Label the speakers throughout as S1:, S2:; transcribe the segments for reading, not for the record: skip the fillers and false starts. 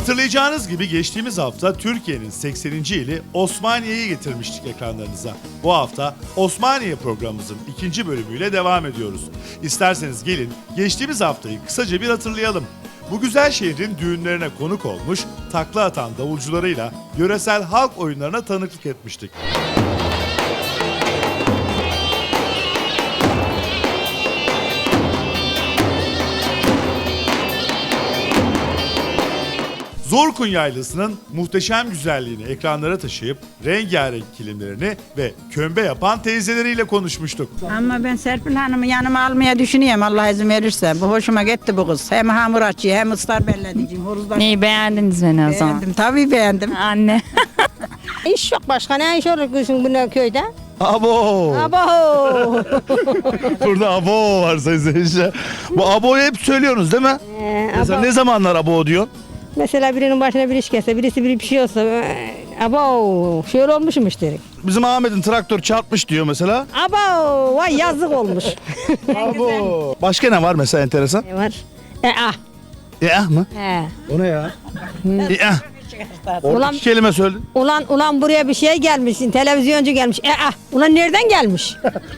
S1: Hatırlayacağınız gibi geçtiğimiz hafta Türkiye'nin 80. ili Osmaniye'yi getirmiştik ekranlarınıza. Bu hafta Osmaniye programımızın 2. bölümüyle devam ediyoruz. İsterseniz gelin geçtiğimiz haftayı kısaca bir hatırlayalım. Bu güzel şehrin düğünlerine konuk olmuş, takla atan davulcularıyla yöresel halk oyunlarına tanıklık etmiştik. Zorkun Yaylası'nın muhteşem güzelliğini ekranlara taşıyıp rengarenk kilimlerini ve kömbe yapan teyzeleriyle konuşmuştuk.
S2: Ama ben Serpil Hanım'ı yanıma almaya düşünüyorum Allah izin verirse. Bu hoşuma gitti bu kız. Hem hamur açıyor hem ıslar belledici.
S3: Neyi beğendiniz beni o zaman?
S2: Beğendim tabii beğendim.
S3: Anne.
S4: İş yok başka ne iş olur kızın bu köyde?
S1: Abo!
S4: Abo!
S1: Burada abo var sayın seyirciler. Bu abo'yu hep söylüyorsunuz değil mi? Mesela
S4: Abo.
S1: ne zamanlar abo diyorsun?
S4: Mesela birinin başına bir iş gelse, birisi bir şey olsa, abo şöyle olmuşmuş dedik.
S1: Bizim Ahmet'in traktör çarpmış diyor mesela.
S4: Abo vay yazık olmuş.
S1: Abo. Başka ne var mesela enteresan?
S4: Ne var?
S1: Mı?
S4: He.
S1: O ne ya? Orada
S4: Ulan-
S1: iki kelime söyle.
S4: Ulan buraya bir şey gelmiş, televizyoncu gelmiş. Ulan nereden gelmiş?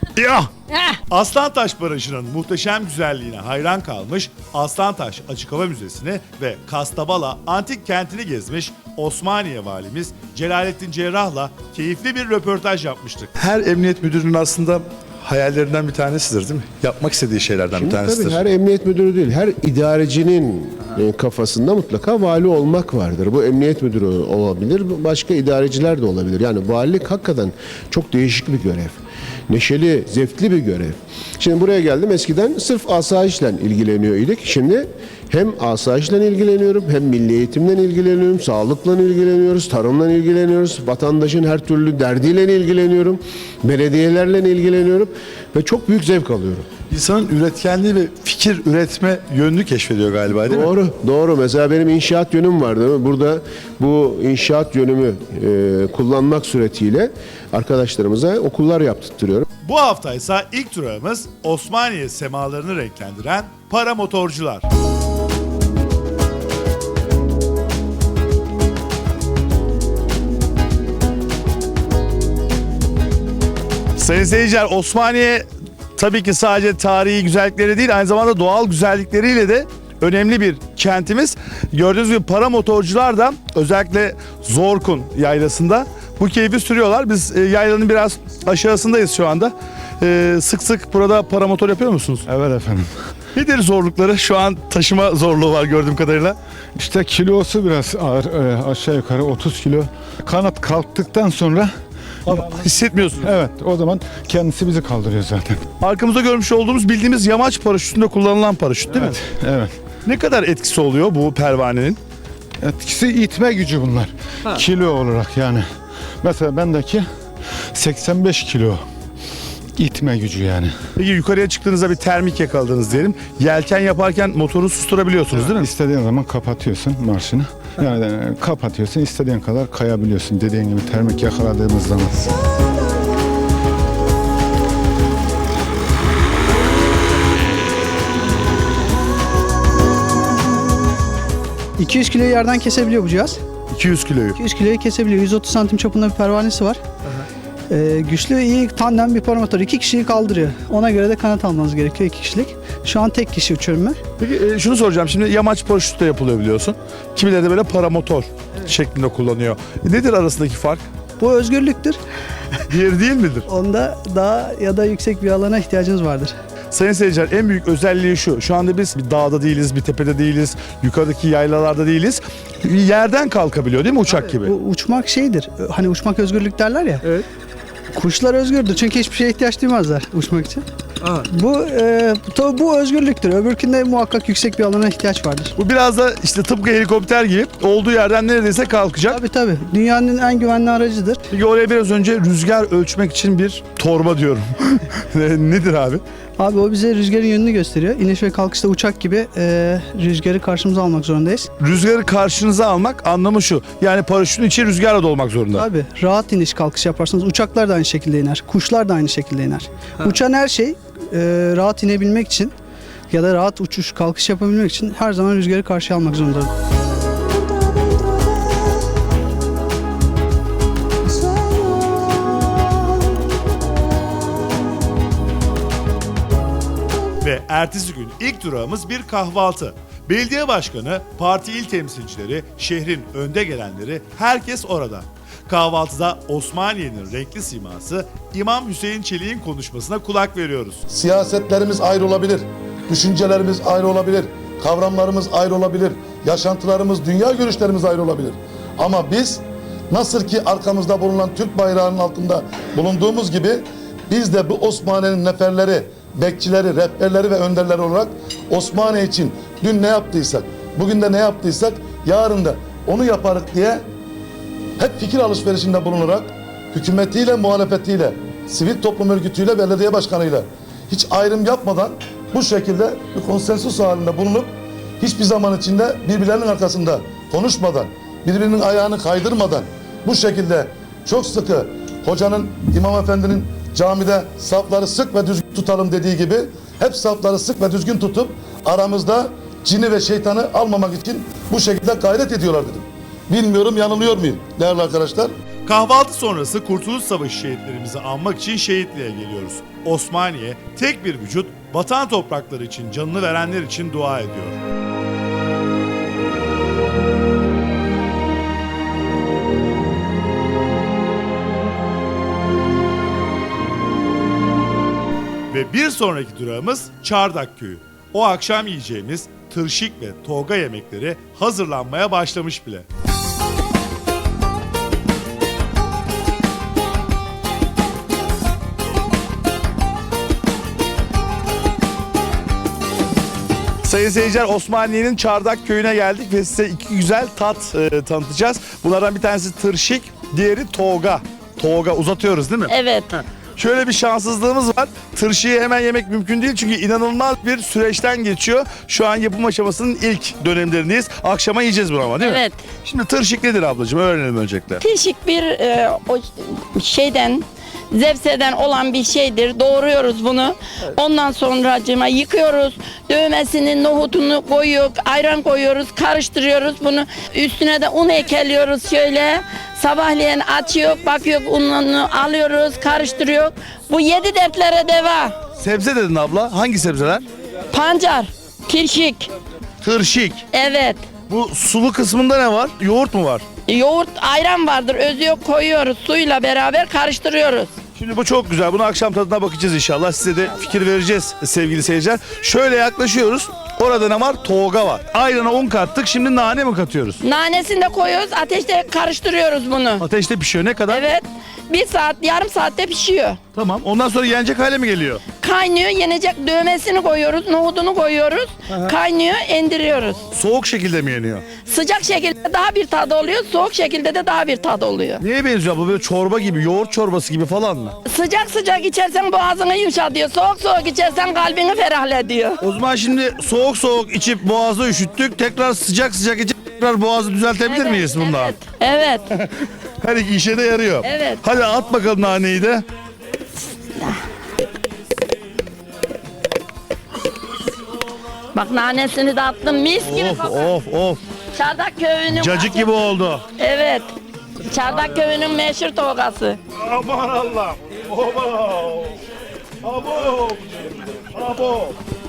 S1: Aslantaş Barajı'nın muhteşem güzelliğine hayran kalmış, Aslantaş Açık Hava Müzesi'ni ve Kastabala Antik Kenti'ni gezmiş Osmaniye Valimiz Celalettin Cerrah'la keyifli bir röportaj yapmıştık.
S5: Her emniyet müdürünün aslında hayallerinden bir tanesidir değil mi? Yapmak istediği şeylerden bir tanesidir.
S6: Tabii her emniyet müdürü değil, her idarecinin kafasında mutlaka vali olmak vardır. Bu emniyet müdürü olabilir, başka idareciler de olabilir. Yani valilik hakikaten çok değişik bir görev. Neşeli, zevkli bir görev. Şimdi buraya geldim, eskiden sırf asayişle ilgileniyor idik. Şimdi hem asayişle ilgileniyorum, hem milli eğitimden ilgileniyorum, sağlıkla ilgileniyoruz, tarımla ilgileniyoruz, vatandaşın her türlü derdiyle ilgileniyorum, belediyelerle ilgileniyorum ve çok büyük zevk alıyorum.
S5: İnsanın üretkenliği ve fikir üretme yönünü keşfediyor galiba değil mi?
S6: Doğru, doğru. Mesela benim inşaat yönüm var değil mi? Burada bu inşaat yönümü kullanmak suretiyle arkadaşlarımıza okullar yaptırtırıyorum.
S1: Bu hafta ise ilk durağımız Osmaniye semalarını renklendiren paramotorcular. Sayın seyirciler, Osmaniye tabii ki sadece tarihi güzellikleri değil, aynı zamanda doğal güzellikleriyle de önemli bir kentimiz. Gördüğünüz gibi paramotorcular da özellikle Zorkun Yaylası'nda bu keyfi sürüyorlar. Biz yaylanın biraz aşağısındayız şu anda. Sık sık burada paramotor yapıyor musunuz?
S7: Evet efendim.
S1: Nedir zorlukları? Şu an taşıma zorluğu var gördüğüm kadarıyla.
S7: İşte kilosu biraz ağır, aşağı yukarı 30 kilo. Kanat kalktıktan sonra
S1: Hissetmiyorsunuz.
S7: evet o zaman kendisi bizi kaldırıyor zaten.
S1: Arkamızda görmüş olduğumuz bildiğimiz yamaç paraşütünde kullanılan paraşüt değil mi?
S7: Evet.
S1: Ne kadar etkisi oluyor bu pervanenin?
S7: Etkisi itme gücü bunlar. Kilo olarak yani. Mesela bendeki 85 kilo itme gücü yani.
S1: Peki yukarıya çıktığınızda bir termik yakaladınız diyelim. Yelken yaparken motoru susturabiliyorsunuz değil mi?
S7: İstediğin zaman kapatıyorsun marşını. Yani kapatıyorsun, istediğin kadar kayabiliyorsun. Dediğin gibi termik yakaladığımız zaman.
S8: 200 kiloyu yerden kesebiliyor bu cihaz.
S1: 200 kiloyu.
S8: 200 kiloyu kesebiliyor. 130 santim çapında bir pervanesi var. Güçlü, iyi tandem bir paramotor. 2 kişiyi kaldırıyor. Ona göre de kanat almanız gerekiyor 2 kişilik. Şu an tek kişi uçuyorum ben.
S1: Peki şunu soracağım. Şimdi yamaç paraşütü de yapılıyor biliyorsun. Kimileri de böyle paramotor şeklinde kullanıyor. Nedir arasındaki fark?
S8: Bu özgürlüktür.
S1: Diğeri değil midir?
S8: Onda daha ya da yüksek bir alana ihtiyacınız vardır.
S1: Sayın seyirciler, en büyük özelliği şu. Şu anda biz bir dağda değiliz, bir tepede değiliz, yukarıdaki yaylalarda değiliz. Yerden kalkabiliyor değil mi uçak gibi?
S8: Bu uçmak şeydir. Hani uçmak özgürlük derler ya.
S1: Evet.
S8: Kuşlar özgürdür çünkü hiçbir şeye ihtiyaç duymazlar uçmak için. Bu özgürlüktür. Öbürkünde muhakkak yüksek bir alana ihtiyaç vardır.
S1: Bu biraz da işte tıpkı helikopter gibi olduğu yerden neredeyse kalkacak.
S8: Tabii. Dünyanın en güvenli aracıdır.
S1: Peki oraya biraz önce rüzgar ölçmek için bir torba diyorum. Nedir abi?
S8: Abi o bize rüzgarın yönünü gösteriyor. İniş ve kalkışta uçak gibi rüzgarı karşımıza almak zorundayız.
S1: Rüzgarı karşınıza almak anlamı şu. Yani paraşütün içi rüzgarla dolmak zorunda.
S8: Abi rahat iniş kalkış yaparsanız uçaklar da aynı şekilde iner. Kuşlar da aynı şekilde iner. Uçan her şey rahat inebilmek için ya da rahat uçuş kalkış yapabilmek için her zaman rüzgarı karşıya almak zorunda.
S1: Ve ertesi gün ilk durağımız bir kahvaltı. Belediye başkanı, parti il temsilcileri, şehrin önde gelenleri herkes orada. Kahvaltıda Osmaniye'nin renkli siması İmam Hüseyin Çelik'in konuşmasına kulak veriyoruz.
S9: Siyasetlerimiz ayrı olabilir, düşüncelerimiz ayrı olabilir, kavramlarımız ayrı olabilir, yaşantılarımız, dünya görüşlerimiz ayrı olabilir. Ama biz nasıl ki arkamızda bulunan Türk bayrağının altında bulunduğumuz gibi biz de bu Osmaniye'nin neferleri, bekçileri, rehberleri ve önderleri olarak Osmaniye için dün ne yaptıysak, bugün de ne yaptıysak yarın da onu yaparık diye hep fikir alışverişinde bulunarak hükümetiyle, muhalefetiyle, sivil toplum örgütüyle, belediye başkanıyla hiç ayrım yapmadan bu şekilde bir konsensus halinde bulunup hiçbir zaman içinde birbirlerinin arkasında konuşmadan, birbirinin ayağını kaydırmadan bu şekilde çok sıkı hocanın, imam efendinin camide safları sık ve düzgün tutalım dediği gibi hep safları sık ve düzgün tutup aramızda cini ve şeytanı almamak için bu şekilde gayret ediyorlar dedim. Bilmiyorum yanılıyor muyum değerli arkadaşlar?
S1: Kahvaltı sonrası Kurtuluş Savaşı şehitlerimizi anmak için şehitliğe geliyoruz. Osmaniye tek bir vücut, vatan toprakları için canını verenler için dua ediyor. Ve bir sonraki durağımız Çardak Köyü. O akşam yiyeceğimiz tırşik ve toga yemekleri hazırlanmaya başlamış bile. Sayın seyirciler, Osmaniye'nin Çardak Köyü'ne geldik ve size iki güzel tat tanıtacağız. Bunlardan bir tanesi tırşik, diğeri toga. Toga uzatıyoruz değil mi?
S10: Evet.
S1: Şöyle bir şanssızlığımız var. Tırşıyı hemen yemek mümkün değil çünkü inanılmaz bir süreçten geçiyor. Şu an yapım aşamasının ilk dönemlerindeyiz. Akşama yiyeceğiz bunu ama değil mi?
S10: Evet.
S1: Şimdi tırşik nedir ablacığım? Öğrenelim öncelikle.
S10: Tırşık bir o şeyden zevseden olan bir şeydir. Doğruyoruz bunu. Ondan sonracığıma yıkıyoruz. Dövmesini, nohutunu koyuyoruz. Ayran koyuyoruz. Karıştırıyoruz bunu. Üstüne de un ekeliyoruz şöyle. Sabahleyin açıyor, bakıyor, ununu alıyoruz, karıştırıyor. Bu 7 dertlere deva.
S1: Sebze dedin abla. Hangi sebzeler?
S10: Pancar, kirşik.
S1: Tırşik.
S10: Evet.
S1: Bu sulu kısmında ne var? Yoğurt mu var?
S10: Yoğurt, ayran vardır. Özü yok, koyuyoruz. Suyla beraber karıştırıyoruz.
S1: Şimdi bu çok güzel. Bunu akşam tadına bakacağız inşallah. Size de fikir vereceğiz sevgili seyirciler. Şöyle yaklaşıyoruz. Orada ne var? Toga var. Ayrana un kattık. Şimdi nane mi katıyoruz?
S10: Nanesini de koyuyoruz. Ateşte karıştırıyoruz bunu.
S1: Ateşte pişiyor. Ne kadar?
S10: Evet. 1 saat, yarım saatte pişiyor.
S1: Tamam. Ondan sonra yenecek hale mi geliyor?
S10: Kaynıyor, yenecek dövmesini koyuyoruz, nohudunu koyuyoruz. Kaynıyor, indiriyoruz.
S1: Soğuk şekilde mi yeniyor?
S10: Sıcak şekilde daha bir tadı oluyor, soğuk şekilde de daha bir tadı oluyor.
S1: Neye benziyor bu? Böyle çorba gibi, yoğurt çorbası gibi falan mı?
S10: Sıcak sıcak içersen boğazını yumuşatıyor, soğuk soğuk içersen kalbini ferahlediyor.
S1: O zaman şimdi soğuk soğuk içip boğazı üşüttük. Tekrar sıcak sıcak içip tekrar boğazı düzeltebilir miyiz bundan?
S10: Evet, evet.
S1: Her iki işe de yarıyor.
S10: Evet.
S1: Hadi at bakalım naneyi de.
S10: Bak nanesini de attım, mis gibi
S1: Of
S10: kokar.
S1: of of.
S10: Çardak köyünün...
S1: Cacık gibi oldu.
S10: Evet. Çardak köyünün meşhur togası.
S1: Aman Allah'ım. Oba. Abo. Abo.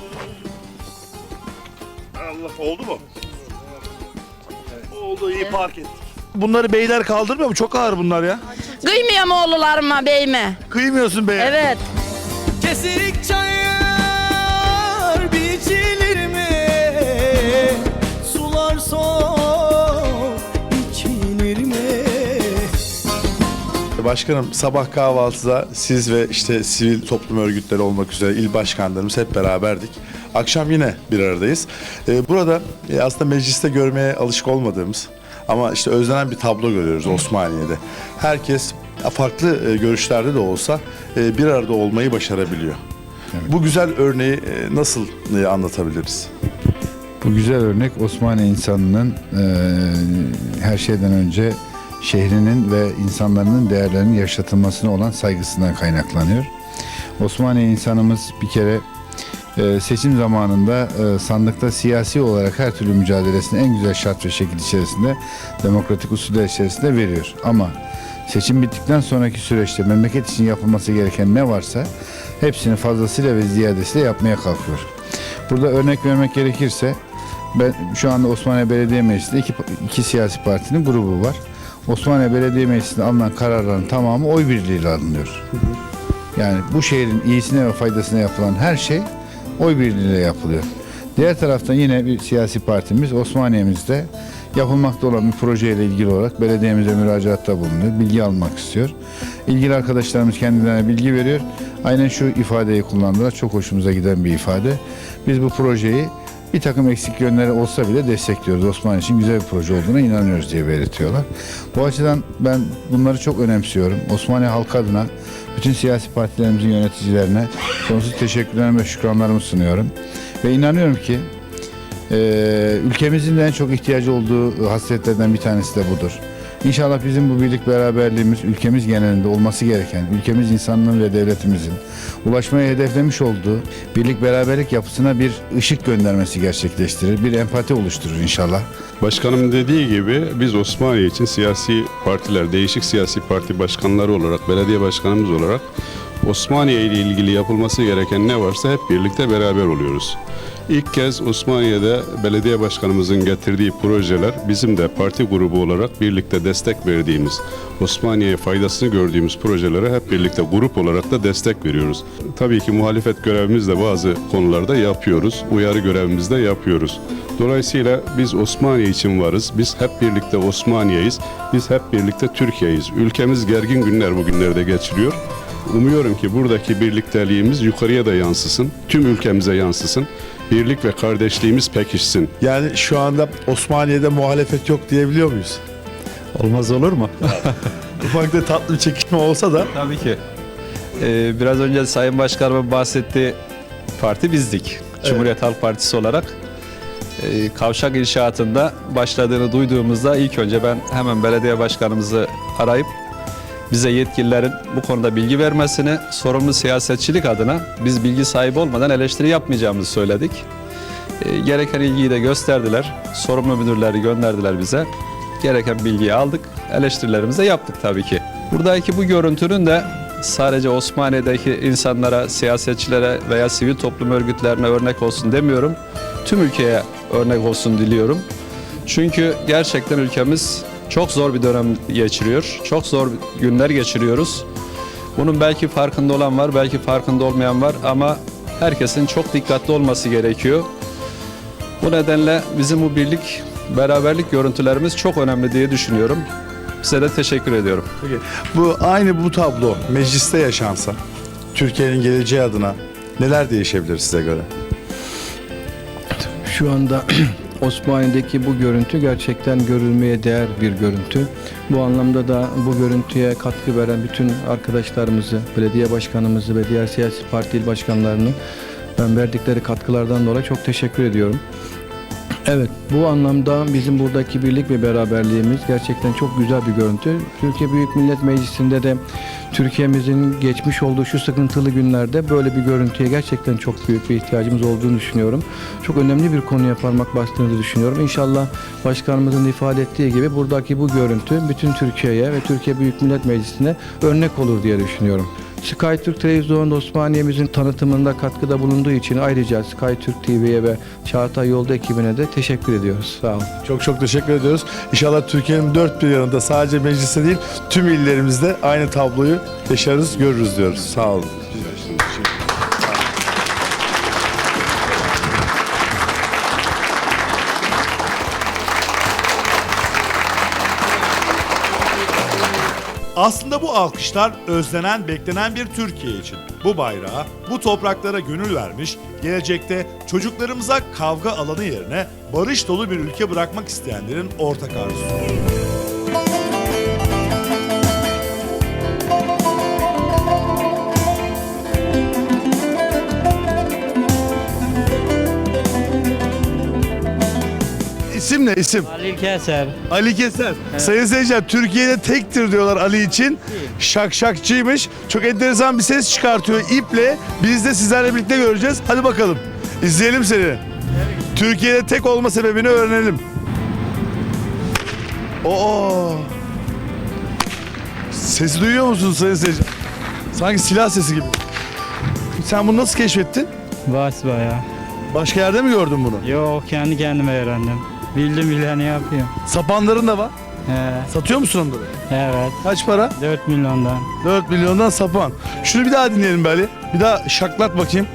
S1: Allah, oldu mu? Oldu, iyi park ettik. Bunları beyler kaldırmıyor mu? Çok ağır bunlar ya.
S10: Kıymıyor mu oğullarıma, beyime?
S1: Kıymıyorsun beye.
S10: Evet.
S11: Kesirik çayır biçilir mi? Sular soğuk içilir mi?
S5: Başkanım, sabah kahvaltıda siz ve işte sivil toplum örgütleri olmak üzere il başkanlarımız hep beraberdik. Akşam yine bir aradayız. Burada aslında mecliste görmeye alışık olmadığımız ama işte özlenen bir tablo görüyoruz Osmaniye'de. Herkes farklı görüşlerde de olsa bir arada olmayı başarabiliyor.
S12: Evet.
S5: Bu güzel örneği nasıl anlatabiliriz?
S12: Bu güzel örnek Osmaniye insanının her şeyden önce şehrinin ve insanların değerlerinin yaşatılmasına olan saygısından kaynaklanıyor. Osmaniye insanımız bir kere seçim zamanında sandıkta siyasi olarak her türlü mücadelesini en güzel şart ve şekil içerisinde, demokratik usuller içerisinde veriyor. Ama seçim bittikten sonraki süreçte memleket için yapılması gereken ne varsa hepsini fazlasıyla ve ziyadesiyle yapmaya kalkıyor. Burada örnek vermek gerekirse ben şu anda Osmaniye Belediye Meclisi'nde iki siyasi partinin grubu var. Osmaniye Belediye Meclisi'nde alınan kararların tamamı oy birliğiyle alınıyor. Yani bu şehrin iyisine ve faydasına yapılan her şey oy birliğiyle yapılıyor. Diğer taraftan yine bir siyasi partimiz Osmaniye'mizde yapılmakta olan bir projeyle ilgili olarak belediyemize müracaatta bulunuyor. Bilgi almak istiyor. İlgili arkadaşlarımız kendilerine bilgi veriyor. Aynen şu ifadeyi kullandılar. Çok hoşumuza giden bir ifade. Biz bu projeyi bir takım eksik yönleri olsa bile destekliyoruz. Osmaniye için güzel bir proje olduğuna inanıyoruz diye belirtiyorlar. Bu açıdan ben bunları çok önemsiyorum. Osmaniye halkı adına bütün siyasi partilerimizin yöneticilerine sonsuz teşekkürlerimi ve şükranlarımı sunuyorum. Ve inanıyorum ki ülkemizin de en çok ihtiyacı olduğu hasletlerden bir tanesi de budur. İnşallah bizim bu birlik beraberliğimiz ülkemiz genelinde olması gereken, ülkemiz insanlığın ve devletimizin ulaşmaya hedeflemiş olduğu birlik beraberlik yapısına bir ışık göndermesi gerçekleştirir, bir empati oluşturur inşallah.
S13: Başkanım dediği gibi biz Osmaniye için siyasi partiler, değişik siyasi parti başkanları olarak, belediye başkanımız olarak Osmaniye ile ilgili yapılması gereken ne varsa hep birlikte beraber oluyoruz. İlk kez Osmaniye'de belediye başkanımızın getirdiği projeler bizim de parti grubu olarak birlikte destek verdiğimiz, Osmaniye'ye faydasını gördüğümüz projelere hep birlikte grup olarak da destek veriyoruz. Tabii ki muhalefet görevimiz de bazı konularda yapıyoruz, uyarı görevimiz de yapıyoruz. Dolayısıyla biz Osmaniye için varız, biz hep birlikte Osmaniye'yiz, biz hep birlikte Türkiye'yiz. Ülkemiz gergin günler bugünlerde geçiriyor. Umuyorum ki buradaki birlikteliğimiz yukarıya da yansısın, tüm ülkemize yansısın. Birlik ve kardeşliğimiz pekişsin.
S5: Yani şu anda Osmaniye'de muhalefet yok diyebiliyor muyuz?
S14: Olmaz olur mu?
S5: Ufak da tatlı bir çekişme olsa da.
S14: Tabii ki. Biraz önce Sayın Başkanımın bahsettiği parti bizdik. Evet. Cumhuriyet Halk Partisi olarak. Kavşak inşaatında başladığını duyduğumuzda ilk önce ben hemen belediye başkanımızı arayıp bize yetkililerin bu konuda bilgi vermesini, sorumlu siyasetçilik adına biz bilgi sahibi olmadan eleştiri yapmayacağımızı söyledik. Gereken ilgiyi de gösterdiler. Sorumlu müdürleri gönderdiler bize. Gereken bilgiyi aldık. Eleştirilerimizi de yaptık tabii ki. Buradaki bu görüntünün de sadece Osmaniye'deki insanlara, siyasetçilere veya sivil toplum örgütlerine örnek olsun demiyorum. Tüm ülkeye örnek olsun diliyorum. Çünkü gerçekten ülkemiz çok zor bir dönem geçiriyor. Çok zor günler geçiriyoruz. Bunun belki farkında olan var, belki farkında olmayan var ama herkesin çok dikkatli olması gerekiyor. Bu nedenle bizim bu birlik, beraberlik görüntülerimiz çok önemli diye düşünüyorum. Size de teşekkür ediyorum.
S5: Peki, bu tablo mecliste yaşansa Türkiye'nin geleceği adına neler değişebilir size göre?
S15: Şu anda Osmaniye'deki bu görüntü gerçekten görülmeye değer bir görüntü. Bu anlamda da bu görüntüye katkı veren bütün arkadaşlarımızı, belediye başkanımızı ve diğer siyasi parti il başkanlarını ben verdikleri katkılardan dolayı çok teşekkür ediyorum. Evet, bu anlamda bizim buradaki birlik ve beraberliğimiz gerçekten çok güzel bir görüntü. Türkiye Büyük Millet Meclisi'nde de Türkiye'mizin geçmiş olduğu şu sıkıntılı günlerde böyle bir görüntüye gerçekten çok büyük bir ihtiyacımız olduğunu düşünüyorum. Çok önemli bir konuya parmak bastığını düşünüyorum. İnşallah başkanımızın ifade ettiği gibi buradaki bu görüntü bütün Türkiye'ye ve Türkiye Büyük Millet Meclisi'ne örnek olur diye düşünüyorum. SkyTürk Televizyon Osmaniye'mizin tanıtımında katkıda bulunduğu için ayrıca SkyTürk TV'ye ve Çağatay Yolda ekibine de teşekkür ediyoruz. Sağ olun.
S5: Çok çok teşekkür ediyoruz. İnşallah Türkiye'nin dört bir yanında sadece mecliste değil tüm illerimizde aynı tabloyu yaşarız, görürüz diyoruz. Sağ olun.
S1: Aslında bu alkışlar özlenen, beklenen bir Türkiye için. Bu bayrağa, bu topraklara gönül vermiş, gelecekte çocuklarımıza kavga alanı yerine barış dolu bir ülke bırakmak isteyenlerin ortak arzusu. İsim ne isim?
S16: Ali Keser.
S1: Ali Keser. Evet. Sayın seyirciler, Türkiye'de tektir diyorlar Ali için. Şakşakçıymış. Çok enteresan bir ses çıkartıyor iple. Biz de sizlerle birlikte göreceğiz. Hadi bakalım. İzleyelim seni. Evet. Türkiye'de tek olma sebebini öğrenelim. Oo. Sesi duyuyor musunuz sayın seyirciler? Sanki silah sesi gibi. Sen bunu nasıl keşfettin?
S16: Vasıba ya.
S1: Başka yerde mi gördün bunu?
S16: Yok kendi kendime öğrendim. Bildim bileni yapıyorum.
S1: Sapanların da var.
S16: He,
S1: Satıyor musun onları?
S16: evet.
S1: Kaç para?
S16: 4 milyondan.
S1: 4 milyondan sapan. Şunu bir daha dinleyelim be Ali. Bir daha şaklat bakayım.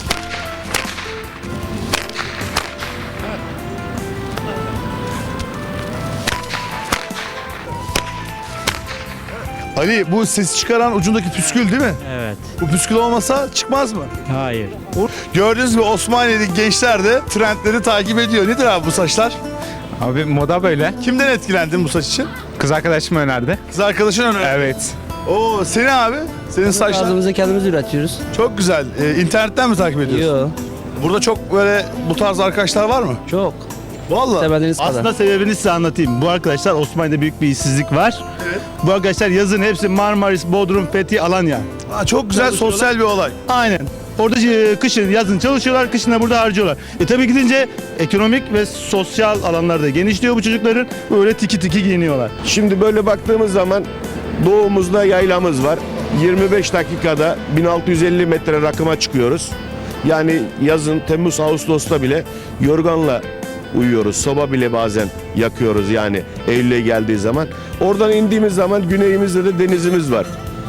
S1: Ali bu sesi çıkaran ucundaki püskül değil mi?
S16: Evet.
S1: Bu püskül olmasa çıkmaz mı?
S16: Hayır.
S1: Gördüğünüz gibi Osmaniye'deki gençler de trendleri takip ediyor. Nedir abi bu saçlar?
S17: Abi moda böyle.
S1: Kimden etkilendin bu saç için?
S17: Kız arkadaşım önerdi.
S1: Kız arkadaşın önerdi.
S17: Evet.
S1: Oo seni abi? Senin saçlar.
S18: Tarzımızı kendimiz üretiyoruz.
S1: Çok güzel. İnternetten mi takip ediyorsun?
S18: Yok.
S1: Burada çok böyle bu tarz arkadaşlar var mı?
S18: Çok.
S1: Vallahi.
S18: İstemediğiniz kadar.
S19: Aslında sebebini size anlatayım. Bu arkadaşlar Osmaniye'de büyük bir işsizlik var.
S1: Evet.
S19: Bu arkadaşlar yazın hepsi Marmaris, Bodrum, Fethiye, Alanya.
S1: Çok güzel sosyal bir olay.
S19: Aynen. Orada kışın, yazın çalışıyorlar, kışın da burada harcıyorlar. Tabii gidince ekonomik ve sosyal alanlarda genişliyor bu çocukların. Böyle tiki tiki giyiniyorlar.
S6: Şimdi böyle baktığımız zaman doğumuzda yaylamız var. 25 dakikada 1650 metre rakıma çıkıyoruz. Yani yazın Temmuz Ağustos'ta bile yorganla uyuyoruz. Soba bile bazen yakıyoruz yani Eylül'e geldiği zaman. Oradan indiğimiz zaman güneyimizde de denizimiz var.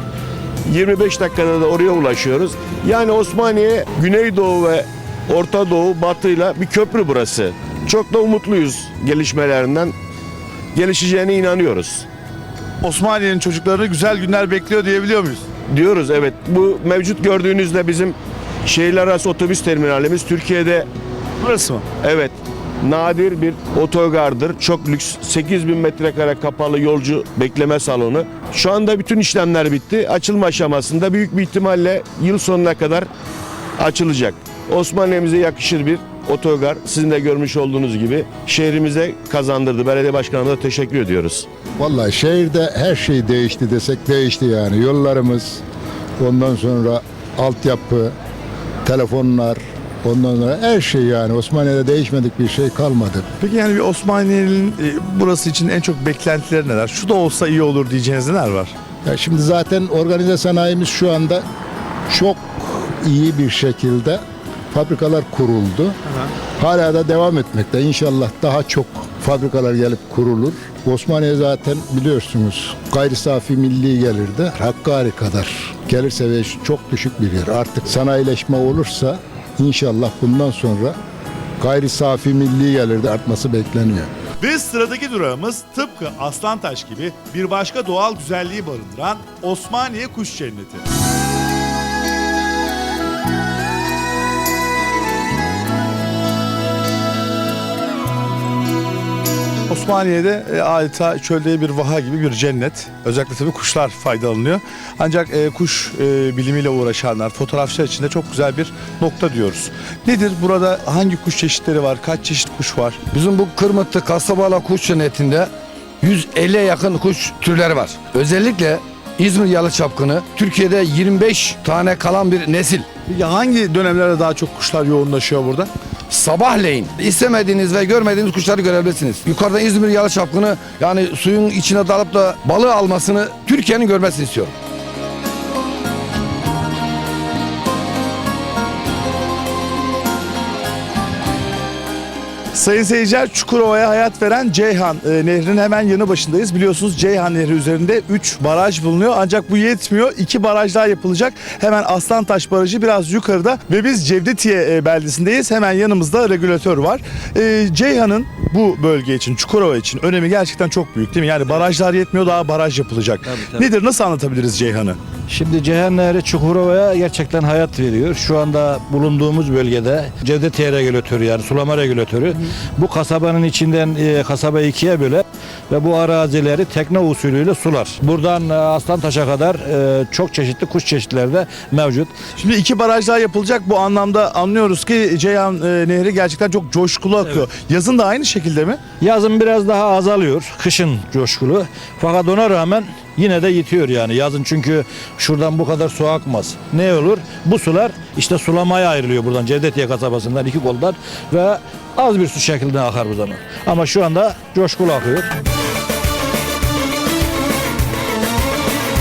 S6: 25 dakikada da oraya ulaşıyoruz. Yani Osmaniye Güneydoğu ve Orta Doğu Batı'yla bir köprü burası. Çok da umutluyuz gelişmelerinden. Gelişeceğine inanıyoruz.
S1: Osmaniye'nin çocuklarını güzel günler bekliyor diyebiliyor muyuz?
S6: Diyoruz evet. Bu mevcut gördüğünüzde bizim şehirler arası otobüs terminalimiz Türkiye'de.
S1: Burası mı?
S6: Evet. Nadir bir otogardır. Çok lüks. 8000 metrekare kapalı yolcu bekleme salonu. Şu anda bütün işlemler bitti. Açılma aşamasında büyük bir ihtimalle yıl sonuna kadar açılacak. Osmaniye'mize yakışır bir otogar. Sizin de görmüş olduğunuz gibi şehrimize kazandırdı. Belediye başkanımıza teşekkür ediyoruz.
S20: Vallahi şehirde her şey değişti desek değişti yani. Yollarımız, ondan sonra altyapı, telefonlar, ondan sonra her şey yani. Osmaniye'de değişmedik bir şey kalmadı.
S1: Peki yani bir Osmaniye'nin burası için en çok beklentileri neler? Şu da olsa iyi olur diyeceğiniz neler var?
S20: Ya şimdi zaten organize sanayimiz şu anda çok iyi bir şekilde fabrikalar kuruldu. Hala da devam etmekte. İnşallah daha çok fabrikalar gelip kurulur. Osmaniye zaten biliyorsunuz gayri safi milli gelirde Hakkari kadar gelir seviyesi çok düşük bir yer. Artık sanayileşme olursa inşallah bundan sonra gayri safi milli gelirde artması bekleniyor.
S1: Ve sıradaki durağımız tıpkı Aslantaş gibi bir başka doğal güzelliği barındıran Osmaniye Kuş Cenneti. Osmaniye'de adeta çölde bir vaha gibi bir cennet. Özellikle tabii kuşlar faydalanıyor. Ancak kuş bilimiyle uğraşanlar, fotoğrafçılar için de çok güzel bir nokta diyoruz. Nedir burada, hangi kuş çeşitleri var, kaç çeşit kuş var?
S21: Bizim bu Kırmıtlı Kasabala Kuş Cenneti'nde 150'ye yakın kuş türleri var. Özellikle İzmir yalıçapkını Türkiye'de 25 tane kalan bir nesil.
S1: Ya hangi dönemlerde daha çok kuşlar yoğunlaşıyor burada?
S21: Sabahleyin istemediğiniz ve görmediğiniz kuşları görebilirsiniz. Yukarıda İzmir yalıçapkını yani suyun içine dalıp da balığı almasını Türkiye'nin görmesini istiyorum.
S1: Sayın seyirciler, Çukurova'ya hayat veren Ceyhan Nehri'nin hemen yanı başındayız. Biliyorsunuz Ceyhan Nehri üzerinde 3 baraj bulunuyor. Ancak bu yetmiyor. 2 baraj daha yapılacak. Hemen Aslantaş Barajı biraz yukarıda ve biz Cevdetiye beldesindeyiz. Hemen yanımızda regülatör var. Ceyhan'ın bu bölge için, Çukurova için önemi gerçekten çok büyük değil mi? Yani barajlar yetmiyor, daha baraj yapılacak.
S22: Tabii.
S1: Nedir, nasıl anlatabiliriz Ceyhan'ı?
S22: Şimdi Ceyhan Nehri Çukurova'ya gerçekten hayat veriyor. Şu anda bulunduğumuz bölgede Cevdetiye regülatörü yani sulama regülatörü. Bu kasabanın içinden kasabayı ikiye böler ve bu arazileri tekne usulüyle sular. Buradan Aslantaş'a kadar çok çeşitli kuş çeşitleri de mevcut.
S1: Şimdi 2 baraj daha yapılacak. Bu anlamda anlıyoruz ki Ceyhan Nehri gerçekten çok coşkulu akıyor. Evet. Yazın da aynı şekilde mi?
S22: Yazın biraz daha azalıyor. Kışın coşkulu. Fakat ona rağmen yine de yetiyor yani yazın, çünkü şuradan bu kadar su akmaz. Ne olur? Bu sular işte sulamaya ayrılıyor buradan Cevdetiye kasabasından 2 koldan ve az bir su şeklinde akar bu zaman. Ama şu anda coşkulu akıyor.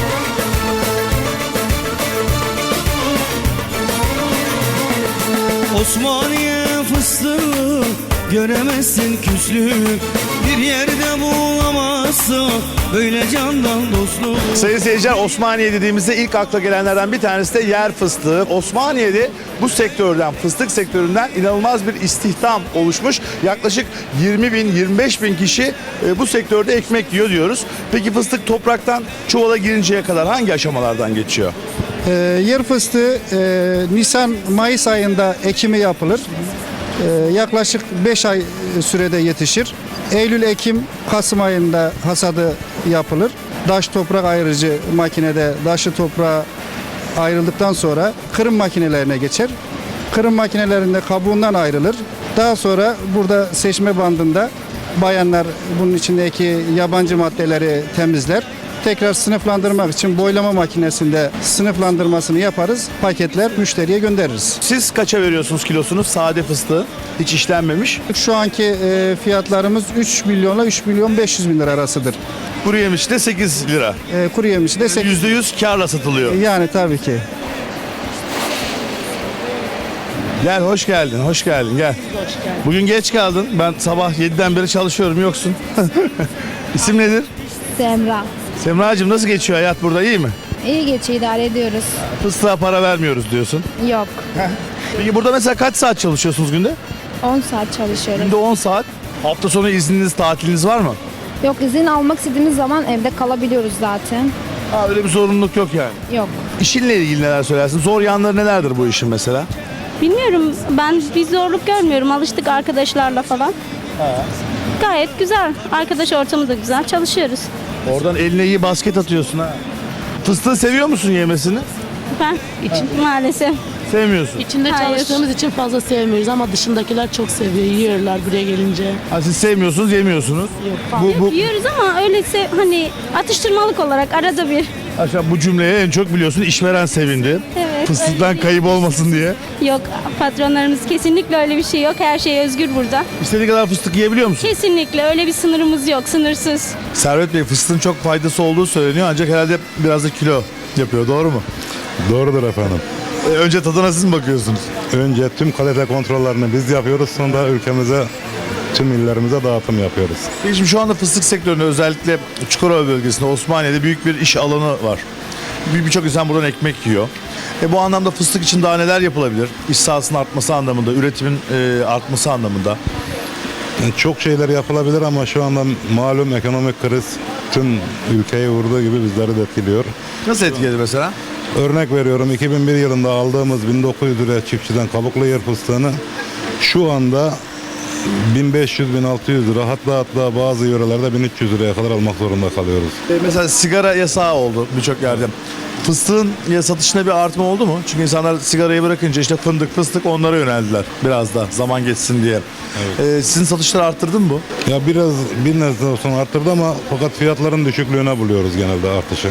S11: Osmaniye fıstığı göremezsin küslük, bir yerde bulamazsın böyle candan dostluk.
S1: Sayın seyirciler, Osmaniye dediğimizde ilk akla gelenlerden bir tanesi de yer fıstığı. Osmaniye'de bu sektörden, fıstık sektöründen inanılmaz bir istihdam oluşmuş. Yaklaşık 20 bin, 25 bin kişi bu sektörde ekmek yiyor diyoruz. Peki fıstık topraktan çuvala girinceye kadar hangi aşamalardan geçiyor?
S2: Yer fıstığı Nisan-Mayıs ayında ekimi yapılır. Yaklaşık 5 ay sürede yetişir. Eylül-Ekim-Kasım ayında hasadı yapılır. Daş toprak ayırıcı makinede daşı toprağa ayrıldıktan sonra kırım makinelerine geçer. Kırım makinelerinde kabuğundan ayrılır. Daha sonra burada seçme bandında bayanlar bunun içindeki yabancı maddeleri temizler. Tekrar sınıflandırmak için boylama makinesinde sınıflandırmasını yaparız. Paketler müşteriye göndeririz.
S1: Siz kaça veriyorsunuz kilosunu sade fıstığı? Hiç işlenmemiş.
S2: Şu anki fiyatlarımız 3 milyonla 3 milyon 500 bin lira arasıdır.
S1: Kuru yemişi de 8 lira.
S2: Kuru yemişi de 8.
S1: %100 karla satılıyor.
S2: Yani tabii ki.
S1: Gel, hoş geldin, hoş geldin, gel. Bugün geç kaldın. Ben sabah 7'den beri çalışıyorum, yoksun. İsim nedir?
S18: Semra.
S1: Semracığım, nasıl geçiyor hayat burada, iyi mi?
S18: İyi geçiyor, idare ediyoruz.
S1: Fıstığa para vermiyoruz diyorsun.
S18: Yok.
S1: Peki burada mesela kaç saat çalışıyorsunuz günde?
S18: 10 saat çalışıyorum.
S1: Günde 10 saat. Hafta sonu izniniz, tatiliniz var mı?
S18: Yok, izin almak istediğimiz zaman evde kalabiliyoruz zaten.
S1: Ha, öyle bir zorunluluk yok yani.
S18: Yok.
S1: İşinle ilgili neler söylersin? Zor yanları nelerdir bu işin mesela?
S23: Bilmiyorum, ben bir zorluk görmüyorum. Alıştık arkadaşlarla falan. Gayet güzel. Arkadaş ortamı da güzel. Çalışıyoruz.
S1: Oradan eline iyi basket atıyorsun ha. Fıstığı seviyor musun yemesini?
S23: Ben maalesef.
S1: Sevmiyorsun.
S24: İçinde çalıştığımız için fazla sevmiyoruz ama dışındakiler çok seviyor. Yiyorlar buraya gelince.
S1: Ha, siz sevmiyorsunuz, yemiyorsunuz.
S23: Yok, yiyoruz ama öyleyse hani atıştırmalık olarak arada bir.
S1: Aşağı bu cümleye en çok biliyorsun işveren sevindi.
S23: Evet.
S1: Fıstıktan kayıp olmasın diye.
S23: Yok, patronlarımız kesinlikle öyle bir şey yok. Her şey özgür burada.
S1: İstediği kadar fıstık yiyebiliyor musun?
S23: Kesinlikle öyle bir sınırımız yok, sınırsız.
S1: Servet Bey, fıstığın çok faydası olduğu söyleniyor ancak herhalde biraz da kilo yapıyor, doğru mu?
S25: Doğrudur efendim.
S1: Önce tadına siz mi bakıyorsunuz?
S25: Önce tüm kalite kontrollerini biz yapıyoruz, sonra ülkemize, tüm illerimize dağıtım yapıyoruz.
S1: Peki şimdi şu anda fıstık sektöründe, özellikle Çukurova bölgesinde, Osmaniye'de büyük bir iş alanı var. Birçok insan buradan ekmek yiyor. Bu anlamda fıstık için daha neler yapılabilir? İş sahasının artması anlamında, üretimin artması anlamında.
S25: Çok şeyler yapılabilir ama şu anda malum ekonomik kriz tüm ülkeyi vurduğu gibi bizleri de etkiliyor.
S1: Nasıl etkiledi mesela?
S25: Örnek veriyorum, 2001 yılında aldığımız 1900 liraya çiftçiden kabuklu yer fıstığını şu anda 1500-1600 lira, hatta bazı yörelerde 1300 liraya kadar almak zorunda kalıyoruz.
S1: Mesela sigara yasağı oldu birçok yerde. Fıstığın satışında bir artma oldu mu? Çünkü insanlar sigarayı bırakınca işte fındık, onlara yöneldiler biraz da zaman geçsin diye. Evet. Sizin satışları arttırdı mı bu?
S25: Ya biraz bir nebze olsun arttırdı ama fakat fiyatların düşüklüğüne buluyoruz genelde artışı.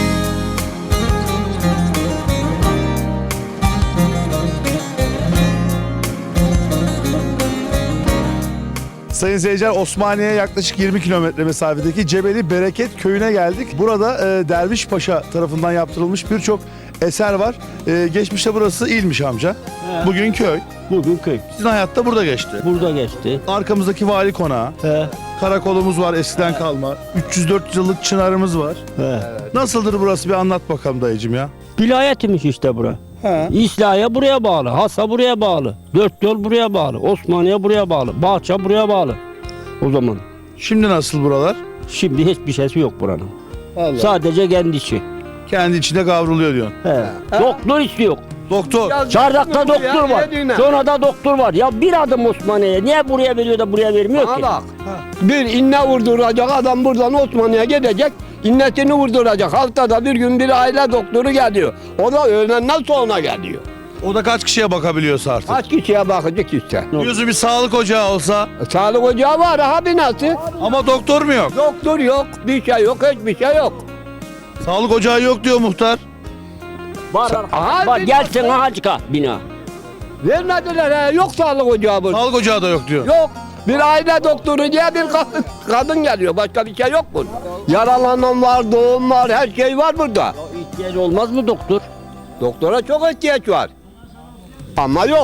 S1: Sayın seyirciler, Osmaniye'ye yaklaşık 20 kilometre mesafedeki Cebeli Bereket köyüne geldik. Burada Derviş Paşa tarafından yaptırılmış birçok eser var. Geçmişte burası ilmiş amca.
S26: He.
S1: Bugün köy.
S26: Bugün köy.
S1: Sizin hayatta burada geçti.
S26: Burada geçti.
S1: Arkamızdaki vali konağı.
S26: He.
S1: Karakolumuz var eskiden kalma. 304 yıllık çınarımız var.
S26: He.
S1: Nasıldır burası, bir anlat bakalım dayıcım ya.
S26: Vilayetimiz işte bura. İslahiye buraya bağlı, Hasa buraya bağlı, Dört Yol buraya bağlı, Osmaniye buraya bağlı, Bahçe buraya bağlı. O zaman.
S1: Şimdi nasıl buralar?
S26: Şimdi hiçbir şeysi yok buranın.
S1: Vallahi.
S26: Sadece kendi içi.
S1: Kendi içinde kavruluyor diyorsun.
S26: He. Doktor istiyor.
S1: Doktor.
S26: Çardak'ta doktor var. Sonra da doktor var. Ya bir adım Osmaniye'ye. Niye buraya veriyor da buraya vermiyor ki?
S21: Bak. Bir inne vurduracak adam buradan Osmaniye'ye gidecek. İnnetini vurduracak. Haftada bir gün bir aile doktoru geliyor. O da öğlenden sonra geliyor.
S1: O da kaç kişiye bakabiliyorsa artık?
S21: Kaç kişiye bakacak işte.
S1: Diyorsun bir sağlık ocağı olsa?
S21: Sağlık ocağı var ha binası.
S1: Ama doktor mu yok?
S21: Doktor yok, bir şey yok, hiçbir şey yok.
S1: Sağlık ocağı yok diyor muhtar.
S26: Var, var. Gelsin Hacık'a bina.
S21: Vermediler he, yok sağlık ocağı burada.
S1: Sağlık ocağı da yok diyor.
S21: Yok. Bir aile doktoru diye bir kadın geliyor. Başka bir şey yok burada. Yaralanan var, doğum var, her şey var burada.
S26: İhtiyaç olmaz mı doktor?
S21: Doktora çok ihtiyaç var. Ama yok.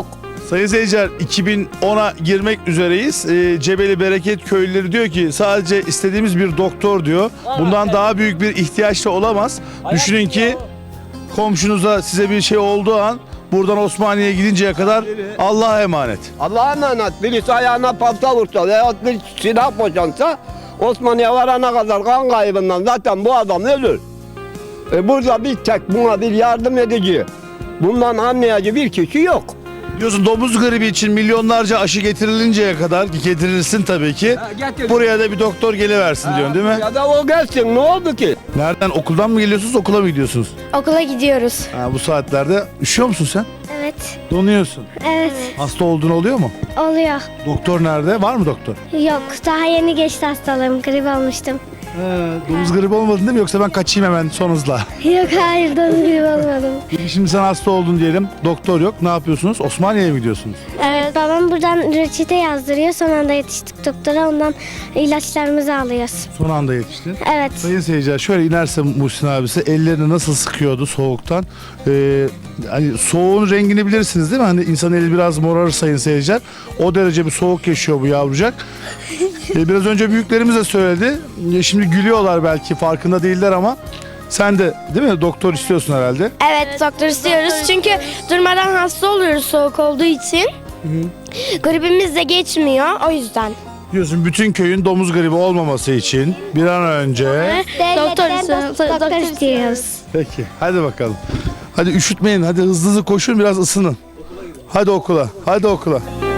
S1: Sayın seyirciler, 2010'a girmek üzereyiz. Cebeli Bereket köylüleri diyor ki sadece istediğimiz bir doktor diyor. Bundan daha büyük bir ihtiyaç da olamaz. Düşünün ki komşunuza size bir şey olduğu an buradan Osmaniye'ye gidinceye kadar Allah'a emanet.
S3: Allah'a emanet. Birisi ayağına palta vursa veya bir silah boşansa Osmaniye varana kadar kan kaybından zaten bu adam ölür. Burada bir tek buna bir yardım edici, bundan anlayıcı bir kişi yok.
S1: Diyorsun domuz gribi için milyonlarca aşı getirilinceye kadar, getirilsin tabii ki. Buraya da bir doktor geliversin diyorsun değil mi?
S3: Ya da o gelsin, ne oldu ki?
S1: Nereden, okuldan mı geliyorsunuz, okula mı gidiyorsunuz?
S18: Okula gidiyoruz.
S1: Bu saatlerde üşüyor musun sen?
S18: Evet.
S1: Donuyorsun.
S18: Evet.
S1: Hasta olduğun oluyor mu?
S18: Oluyor.
S1: Doktor nerede? Var mı doktor?
S18: Yok. Daha yeni geçti hastalığım. Grip olmuştum.
S1: Domuz gribi olmadın değil mi? Yoksa ben kaçayım hemen son hızla.
S18: Yok hayır. Domuz grip olmadım.
S1: Şimdi sen hasta oldun diyelim. Doktor yok. Ne yapıyorsunuz? Osmaniye'ye mi gidiyorsunuz?
S18: Evet. Babam buradan reçete yazdırıyor. Son anda yetiştik doktora. Ondan ilaçlarımızı alıyoruz.
S1: Son anda yetiştin.
S18: Evet.
S1: Sayın seyirciler, şöyle inerse Muhsin abisi ellerini nasıl sıkıyordu soğuktan. Hani soğuğun rengini bilirsiniz değil mi? Hani insan eli biraz morarır sayın seyirciler. O derece bir soğuk yaşıyor bu yavrucak. Biraz önce büyüklerimiz de söyledi. Şimdi gülüyorlar, belki farkında değiller ama sen de değil mi doktor istiyorsun herhalde?
S18: Evet, doktor istiyoruz. Çünkü durmadan hasta oluyoruz soğuk olduğu için. Gripimiz de geçmiyor o yüzden.
S1: Diyorsun bütün köyün domuz gribi olmaması için bir an önce...
S18: Doktor istiyoruz.
S1: Peki hadi bakalım. Hadi üşütmeyin, hadi hızlı hızlı koşun, biraz ısının. Hadi okula, hadi okula.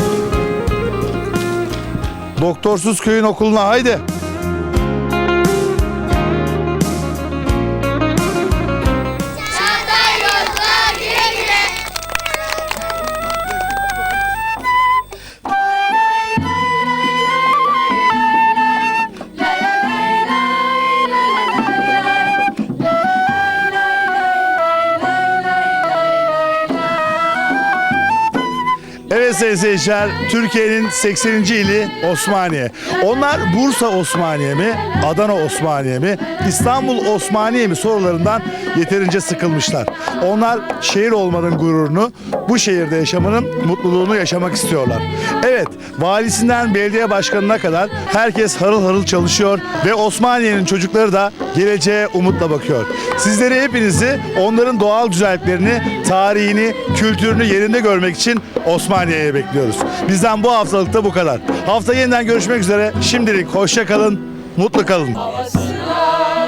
S1: Doktorsuz köyün okuluna haydi. Evet sayın seyirciler, Türkiye'nin 80. ili Osmaniye. Onlar Bursa Osmaniye mi, Adana Osmaniye mi, İstanbul Osmaniye mi sorularından yeterince sıkılmışlar. Onlar şehir olmanın gururunu, bu şehirde yaşamanın mutluluğunu yaşamak istiyorlar. Evet, valisinden belediye başkanına kadar herkes harıl harıl çalışıyor ve Osmaniye'nin çocukları da geleceğe umutla bakıyor. Sizleri, hepinizi onların doğal güzelliklerini, tarihini, kültürünü yerinde görmek için Osmaniye'ye bekliyoruz. Bizden bu haftalıkta bu kadar. Hafta yeniden görüşmek üzere. Şimdilik hoşça kalın, mutlu kalın.